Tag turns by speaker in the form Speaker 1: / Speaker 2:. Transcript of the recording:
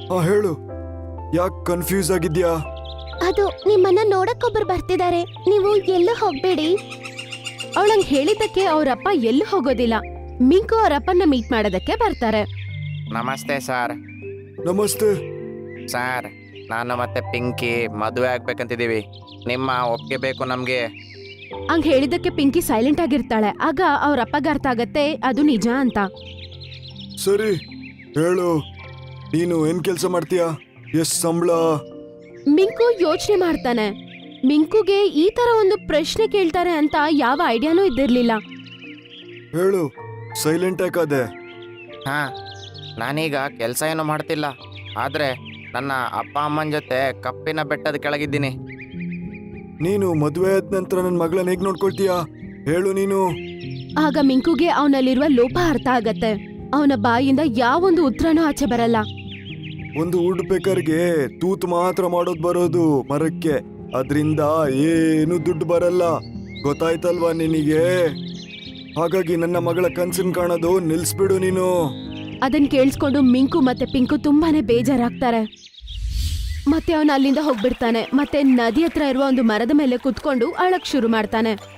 Speaker 1: ಹೇಳು, ಯಾಕೆ ಕನ್ಫ್ಯೂಸ್ ಆಗಿದ್ಯಾ?
Speaker 2: ಅದು ನಿಮ್ಮನ್ನ ನೋಡಕ್ಕೊಬ್ರು ಬರ್ತಿದ್ದಾರೆ, ನೀವು ಎಲ್ಲೂ ಹೋಗ್ಬೇಡಿ. ಅವಳಂಗ್ ಹೇಳಿದ್ದಕ್ಕೆ ಅವರಪ್ಪ ಎಲ್ಲೂ ಹೋಗೋದಿಲ್ಲ. ಮಿಂಕು ಅವರಪ್ಪನ ಮೀಟ್ ಮಾಡೋದಕ್ಕೆ ಬರ್ತಾರೆ.
Speaker 3: ನಮಸ್ತೆ ಸರ್.
Speaker 1: ನಮಸ್ತೆ.
Speaker 3: ಸರ್, ನಾನು ಮತ್ತೆ ಪಿಂಕಿ ಮದುವೆ ಆಗ್ಬೇಕಂತಿದ್ದೀವಿ. ನಿಮ್ಮ ಒಪ್ಪಿಗೆ ಬೇಕು ನಮಗೆ.
Speaker 2: ಹಂಗ್ ಹೇಳಿದ್ದಕ್ಕೆ ಪಿಂಕಿ ಸೈಲೆಂಟ್ ಆಗಿರ್ತಾಳೆ. ಆಗ ಅವ್ರಪ್ಪಗೆ ಅರ್ಥ ಆಗತ್ತೆ ಅದು ನಿಜ ಅಂತ.
Speaker 1: ಸರಿ ಹೇಳು, ನೀನು ಏನ್ ಕೆಲಸ ಮಾಡ್ತೀಯಾ? ಎಷ್ಟ್ ಸಂಬಳ?
Speaker 2: ಮಿಂಕು ಯೋಚನೆ ಮಾಡ್ತಾನೆ. ಮಿಂಕುಗೆ ಈ ತರ ಒಂದು ಪ್ರಶ್ನೆ ಕೇಳ್ತಾರೆ ಅಂತ ಯಾವ ಐಡಿಯಾನೂ ಇದ್ದಿರ್ಲಿಲ್ಲ.
Speaker 1: ಹೇಳು, ಸೈಲೆಂಟ್ ಯಾಕಾದೆ?
Speaker 3: ಹಾಂ, ನಾನೀಗ ಕೆಲಸ ಏನು ಮಾಡ್ತಿಲ್ಲ. ಆದರೆ ನನ್ನ ಅಪ್ಪ ಅಮ್ಮನ ಜೊತೆ ಕಪ್ಪಿನ ಬೆಟ್ಟದ ಕೆಳಗಿದ್ದೀನಿ.
Speaker 1: ನೀನು ಮದುವೆ ಆದ ನಂತರ ನನ್ನ ಮಗಳನ್ನ ಹೇಗ್ ನೋಡ್ಕೊಳ್ತೀಯಾ? ಹೇಳು ನೀನು.
Speaker 2: ಆಗ ಮಿಂಕುಗೆ ಅವನಲ್ಲಿರುವ ಲೋಪ ಅರ್ಥ ಆಗತ್ತೆ. ಅವನ ಬಾಯಿಂದ ಯಾವೊಂದು ಉತ್ತರನೂ ಆಚೆ ಬರಲ್ಲ.
Speaker 1: ಒಂದು ವುಡ್ ಪೇಕರ್ಗೆ ತೂತು ಮಾತ್ರ ಮಾಡೋದು ಬರೋದು ಮರಕ್ಕೆ, ಅದ್ರಿಂದ ಏನು ದುಡ್ಡು ಬರಲ್ಲ, ಗೊತ್ತಾಯ್ತಲ್ವಾ ನಿನಗೆ? ಹಾಗಾಗಿ ನನ್ನ ಮಗಳ ಕನ್ಸನ್ ಕಾಣೋದು ನಿಲ್ಸ್ಬಿಡು ನೀನು.
Speaker 2: ಅದನ್ ಕೇಳಿಸ್ಕೊಂಡು ಮಿಂಕು ಮತ್ತೆ ಪಿಂಕು ತುಂಬಾನೇ ಬೇಜಾರಾಗ್ತಾರೆ. ಮತ್ತೆ ಅವನ ಅಲ್ಲಿಂದ ಹೋಗ್ಬಿಡ್ತಾನೆ. ಮತ್ತೆ ನದಿ ಹತ್ರ ಇರುವ ಒಂದು ಮರದ ಮೇಲೆ ಕುತ್ಕೊಂಡು ಅಳಕ್ ಶುರು ಮಾಡ್ತಾನೆ.